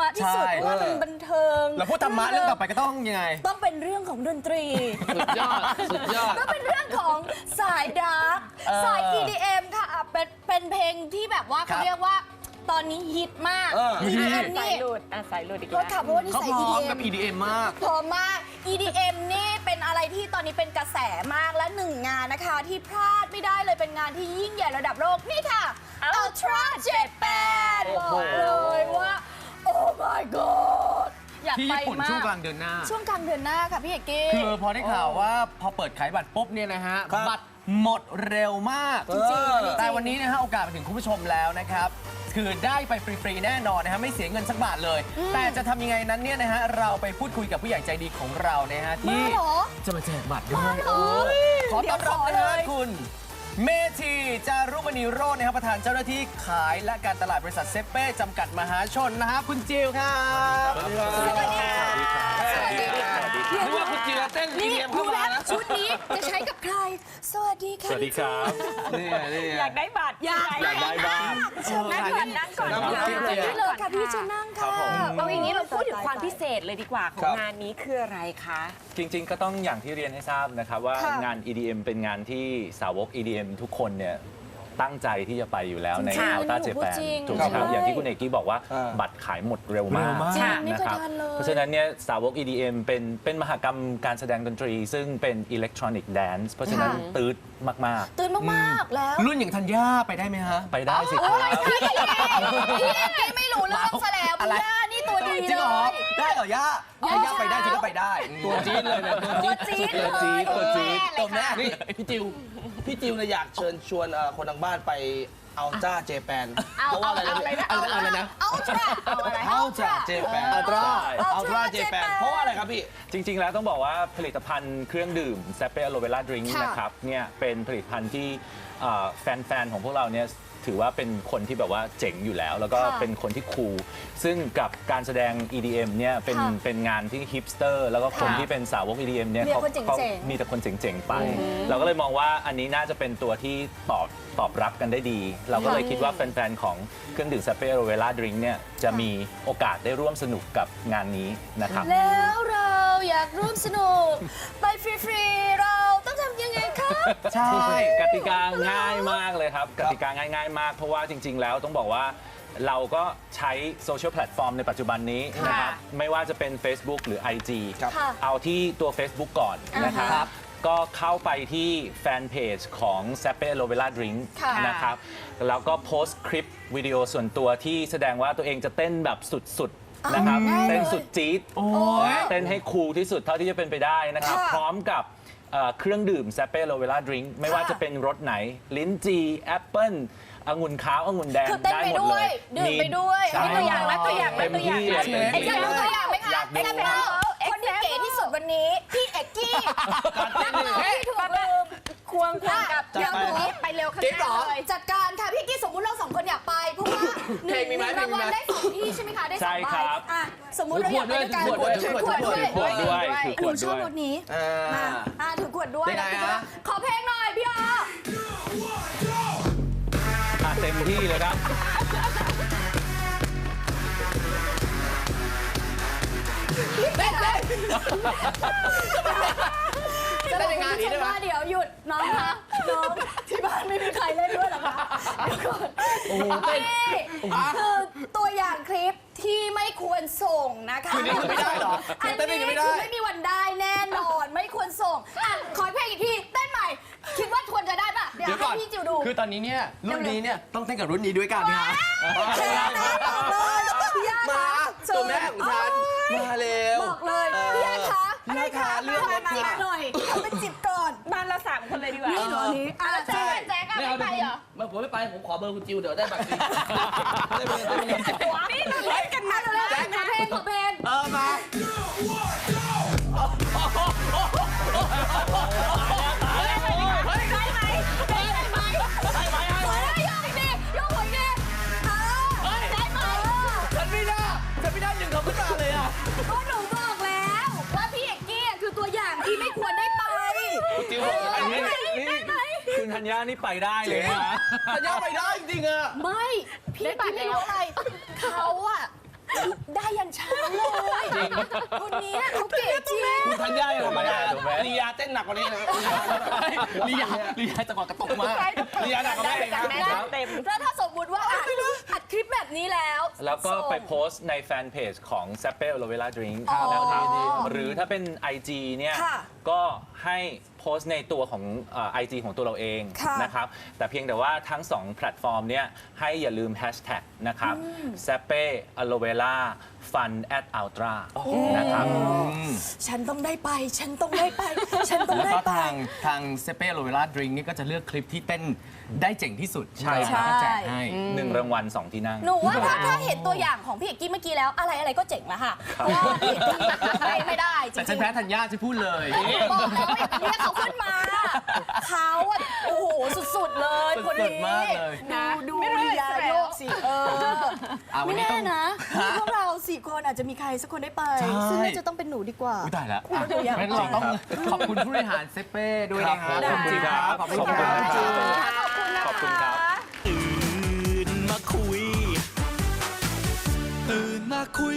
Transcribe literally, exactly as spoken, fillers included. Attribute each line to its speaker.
Speaker 1: ะที่สุดเพราะว่ามันบันเทิง
Speaker 2: เราพูดธรรมะเรื่องต่อไปก็ต้องยังไง
Speaker 1: ต้องเป็นเรื่องของดนตรี
Speaker 3: สุดยอดสุดยอด
Speaker 1: ก็เป็นเรื่องของสายดาร์กสาย อี ดี เอ็ม ค่ะเป็นเป็นเพลงที่แบบว่าเขาเรียกว่าตอนนี้ฮิตมาก อี ดี เอ็ม นี่
Speaker 4: สายหลุดอ่ะสายหลุดอีก
Speaker 1: แล้วค่ะเพราะว่านี่ใส่
Speaker 2: อี
Speaker 1: อี
Speaker 2: ดี
Speaker 1: ดี
Speaker 2: เอ็
Speaker 1: เอ็
Speaker 2: ม
Speaker 1: ม
Speaker 2: กับ อี ดี เอ็ม มาก
Speaker 1: พร้อมมาก อี ดี เอ็ม นี่เป็นอะไรที่ตอนนี้เป็นกระแสมากและหนึ่งงานนะคะที่พลาดไม่ได้เลยเป็นงานที่ยิ่งใหญ่ระดับโลกนี่ค่ะ Ultra Japan บอกเลยว่า โอ้ my god อยาก
Speaker 2: ที่
Speaker 1: ไป
Speaker 2: ญี่ปุ่น
Speaker 1: มาก
Speaker 2: ช่วงกลางเดือนหน้า
Speaker 1: ช่วงกลางเดือนหน้าค่ะพี่เอกกี้
Speaker 2: คือพอได้ข่าวว่าพอเปิดขายบัตรปุ๊บเนี่ยนะฮะบัตรหมดเร็วมากจริงๆแต่วันนี้นะฮะโอกาสมาถึงคุณผู้ชมแล้วนะครับคือได้ไปฟรีๆแน่นอนนะฮะไม่เสียเงินสักบาทเลยแต่จะทำยังไงนั้นเนี่ยนะฮะเราไปพูดคุยกับผู้ใหญ่ใจดีของเรานะฮะที่จะมาแจกบัตรด้วยขอต้อนรับนะฮะคุณเมธีจารุมณีโรจน์นะครับประธานเจ้าหน้าที่ขายและการตลาดบริษัทเซเป้จำกัดมหาชนนะฮะคุณจิวครับ
Speaker 1: สวัสดีค่ะสวัสดีค่ะ
Speaker 3: นึกว่าคุณจิวเต้นอี ดี เอ็ม เข้ามานะ
Speaker 1: ชุดนี้จะใช้กับใครสวัสดีค่ะ
Speaker 5: สวัสดีครับ
Speaker 3: นี่นี่
Speaker 4: อยากได้บัตร
Speaker 1: อยาก
Speaker 5: อยากได้บ้าง
Speaker 4: นั่งก่อนนั่งก่อน
Speaker 3: นั่งก่อน
Speaker 1: นี่เลยค่ะพี่จะนั่งค่ะ
Speaker 4: เอาอย่างนี้เราพูดถึงความพิเศษเลยดีกว่าของงานนี้คืออะไรคะ
Speaker 5: จริงๆก็ต้องอย่างที่เรียนให้ทราบนะครับว่างาน อี ดี เอ็ม เป็นงานที่สาวก อี ดี เอ็ม ทุกคนเนี่ยตั้งใจที่จะไปอยู่แล้วใน Ultra Japan ถูกไหมครับอย่างที่คุณเอกกี้บอกว่าบัตรขายหมดเร็วมากนะครับเพราะฉะนั้นเนี่ยสาวก อี ดี เอ็ม เป็นเป็นมหกรรมการแสดงดนตรี ซึ่งเป็นอิเล็กทรอนิกส์แดนซ์เพราะฉะนั้นตืดมาก
Speaker 1: ๆตืดมากๆแล้ว
Speaker 2: รุ่นอย่างธัญญาไปได้ไหมฮะ
Speaker 5: ไปได้สิครับ
Speaker 1: พี่พี่ไม่รู้เรื่องซะแล้วพี่ย่านี่ตัวดีเลย
Speaker 2: ได้เหรอย่าถ้าย่าไปได้ฉันก็ไปได้
Speaker 3: ตัวจี๊ดเลยนะ
Speaker 1: ตัวจี๊ด
Speaker 3: ตัวจี๊ดตัวจี๊ด
Speaker 1: ตัวแม่
Speaker 3: นี่พี่จิวพี่จิวเนี่ยอยากเชิญชวนคนทางบ้านไปเอาจ้าเจแปนเพราะว่าอะไรนะเอาอะไรนะ
Speaker 1: เอาจ้าเอาอะไร
Speaker 3: เอาจ้าเจแปนอัลตร้าอัลตร้าเจแปนเพราะว่าอะไรครับพี่
Speaker 5: จริงๆแล้วต้องบอกว่าผลิตภัณฑ์เครื่องดื่มแซเป้อโลเวล่าดริงก์นะครับเนี่ยเป็นผลิตภัณฑ์ที่แฟนๆของพวกเราเนี่ยถือว่าเป็นคนที่แบบว่าเจ๋งอยู่แล้วแล้วก็เป็นคนที่คูลซึ่งกับการแสดง อี ดี เอ็ม เนี่ยเป็นเป็นงานที่ฮิปสเตอร์แล้วก็คนที่เป็นสาวก อี ดี เอ็ม เนี่ยเขาเขามีแต่คนเจ๋งๆไปเราก็เลยมองว่าอันนี้น่าจะเป็นตัวที่ตอบตอบรับกันได้ดีเราก็เลยคิดว่าแฟนๆของเครื่องดื่มแซเป้อโลเวล่าดริงก์เนี่ยจะมีโอกาสได้ร่วมสนุกกับงานนี้นะครับ
Speaker 1: แล้วเราอยากร่วมสนุกไปฟรีๆเราต้องทำยังไงคะ
Speaker 5: ใช่กติกาง่ายมากเลยครับกติกาง่ายๆมากเพราะว่าจริงๆแล้วต้องบอกว่าเราก็ใช้โซเชียลแพลตฟอร์มในปัจจุบันนี้นะครับไม่ว่าจะเป็น Facebook หรือ ไอ จี เอาที่ตัว Facebook ก่อนนะครับก็เข้าไปที่แฟนเพจของ Zappe Aloe Vera Drink นะครับแล้วก็โพสต์คลิปวิดีโอส่วนตัวที่แสดงว่าตัวเองจะเต้นแบบสุดๆนะครับเต้นสุดจี๊ดเต้นให้คูลที่สุดเท่าที่จะเป็นไปได้นะครับพร้อมกับเครื่องดื่ม Zappe Aloe Vera Drink ไม่ว่าจะเป็นรสไหนลิ้นจี่แอปเปิ้ลองุ่นขาวองุ่นแดงได้หมดเลย
Speaker 1: ดื่มไปด้วย
Speaker 4: ตัวอย่างและตัวอย่างและตัวอย่าง
Speaker 1: อยากดูตัวอย่างไหมคะเอ็กซ์แซมคนที่เก๋ที่สุดวันนี้พี่เอกกี้นั่งเลยที่ถูกลืมควงควงกับเดี๋ยวหนูไปเร็วข้างหน้าเลยจัดการค่ะพี่กี้สมมุติเราสองคนอยากไปเพราะว่าหนึ่งรางวัลได้สองที่ใช่ไหมคะได้สองใบอ่ะสมมุติเราอยากไปด้วยกันถือขวดด้วย
Speaker 5: ถือขวดด้วย
Speaker 1: หนูชอบรถนี้มาอ่ะถือขวดด้วยขอเพลงหน่อยพี่อ๋อ
Speaker 5: เต็มที่เลยครับ
Speaker 1: เต้นเลยจะเป็นงานนี้ได้ไหมเดี๋ยวหยุดน้องคะน้องที่บ้านไม่มีใครเล่นด้วยหรอคะเดี๋ยวก่อนนี่คือตัวอย่างคลิปที่ไม่ควรส่งนะคะ
Speaker 2: คือนี่คือไม่ได้หรอ
Speaker 1: อันนี้คือไม่มีวันได้แน่นอนไม่ควรส่งอ่ะขอเพลงอีกทีเต้นใหม่คิดว่าควรจะได้ป่ะเดี๋ยวให้พี่จิวดู
Speaker 2: คือตอนนี้เนี่ยรุ่นนี้เนี่ยต้องเต้นกับรุ่นนี้ด้วยกันนะมาตัวแม่ของฉันมาเร็ว
Speaker 1: บอกเลยพี่ยาคะ
Speaker 2: พี่ยาคะเรื่อง
Speaker 1: มาจิบหน่อยเอาไปจิบก่อน
Speaker 4: บ้านเราสามคนเลยดีกว่า
Speaker 1: นี่หนูนี้อ่ะแจ๊กแจ๊กไม่ไปเหรอ
Speaker 3: มาผมไม่ไปผมขอเบอร์คุณจิวเดี๋ยวได้บัตรได้เบอร์ได้เบอร์
Speaker 1: นี่เราเล่นกันมาเลยขอเพลงขอเพลง
Speaker 2: เออมา
Speaker 1: ก็หนูบอกแล้วว่าพี่เอกกี้คือตัวอย่างที่ไม่ควรได้ไป
Speaker 5: จิวอันนี้นี่คุณธัญญานี่ไปได้เลยนะ
Speaker 3: ธัญญาไปได้จริงๆอะ
Speaker 1: ไม่พี่ไม่รู้อะไรเขาอะได้ยันเช้าเลยคนนี้เขาเก๋จริง
Speaker 3: คุณธัญญาธรรมดา
Speaker 5: ถูกไหม
Speaker 3: ลียาเต้นหนักกว่านี้นะ
Speaker 2: ลียาลียาจังหวะกระตุกมาก
Speaker 3: ลียาหนักกว่าแม่อีกนะ
Speaker 4: แม่เต็ม
Speaker 1: แล้วถ้าสมมติว่าอัดอัดคลิปแบบนี้แล้ว
Speaker 5: แล้วก็ไป
Speaker 1: ส่ง
Speaker 5: โพสต์ในแฟนเพจของ s a p p e Aloe Vera Drink
Speaker 1: อ๋อ
Speaker 5: นะครับหรือถ้าเป็น ไอ จี เนี่ย
Speaker 1: ค่ะ
Speaker 5: ก็ให้โพสต์ในตัวของเอ่อ ไอ จี ของตัวเราเอง
Speaker 1: ค่ะ
Speaker 5: นะครับ แต่เพียงแต่ว่าทั้งสองแพลตฟอร์มเนี่ยให้อย่าลืมแฮชแท็กนะครับ s a p p e Aloe Vera Fun at Ultra นะครับ
Speaker 1: ฉันต้องได้ไป ฉันต้องได้ไป ฉันต้อง
Speaker 2: แล้ว
Speaker 1: ได้
Speaker 2: ก็
Speaker 1: ไป
Speaker 2: ทางทางเซเป้โรเวล่าดริงนี่ก็จะเลือกคลิปที่เต้นได้เจ๋งที่สุด
Speaker 5: ใช่ครับ
Speaker 2: แล้วก็แจกให้
Speaker 5: หนึ่งรางวัลสองที่นั่ง
Speaker 1: หนูว่าถ้าถ้าเห็นตัวอย่างของพี่เอกกี้เมื่อกี้แล้วอะไรอะไรก็เจ๋งแล้วค่ะเพราะว่าพี่เอกกี้ไม่ไม่ได้จริ
Speaker 2: แต่ฉัน
Speaker 1: ง
Speaker 2: แพ้ธัญญาจะพูดเลย
Speaker 1: ๆบอกแล้วว่าเรียกเขาขึ้นมาเขาอะโอ้โหสุดๆเลยคน
Speaker 2: สุ
Speaker 1: นี้
Speaker 2: ดๆมากเลย
Speaker 1: ดูดูลียาโยกสิเออ
Speaker 2: อ่ะวัน
Speaker 1: ไม่
Speaker 2: นี้
Speaker 1: แน่
Speaker 2: ต้อง
Speaker 1: นะพวกเราสี่คนอาจจะมีใครสักคนได้ไป
Speaker 2: ใช่
Speaker 1: ซึ่งน่าจะต้องเป็นหนูดีกว่า
Speaker 2: อุ๊ยตายแล้ว
Speaker 1: อุ๊ยเดี๋ยวอยาก
Speaker 2: งั้นเราต้องขอบคุณผู้บริหารเซเป้ด้วยนะครับ
Speaker 3: ขอบคุณครับ
Speaker 2: ขอบคุณ
Speaker 3: ขอบคุณ
Speaker 2: ค
Speaker 3: ครั
Speaker 2: รับ บ
Speaker 1: ขอบคุณนะ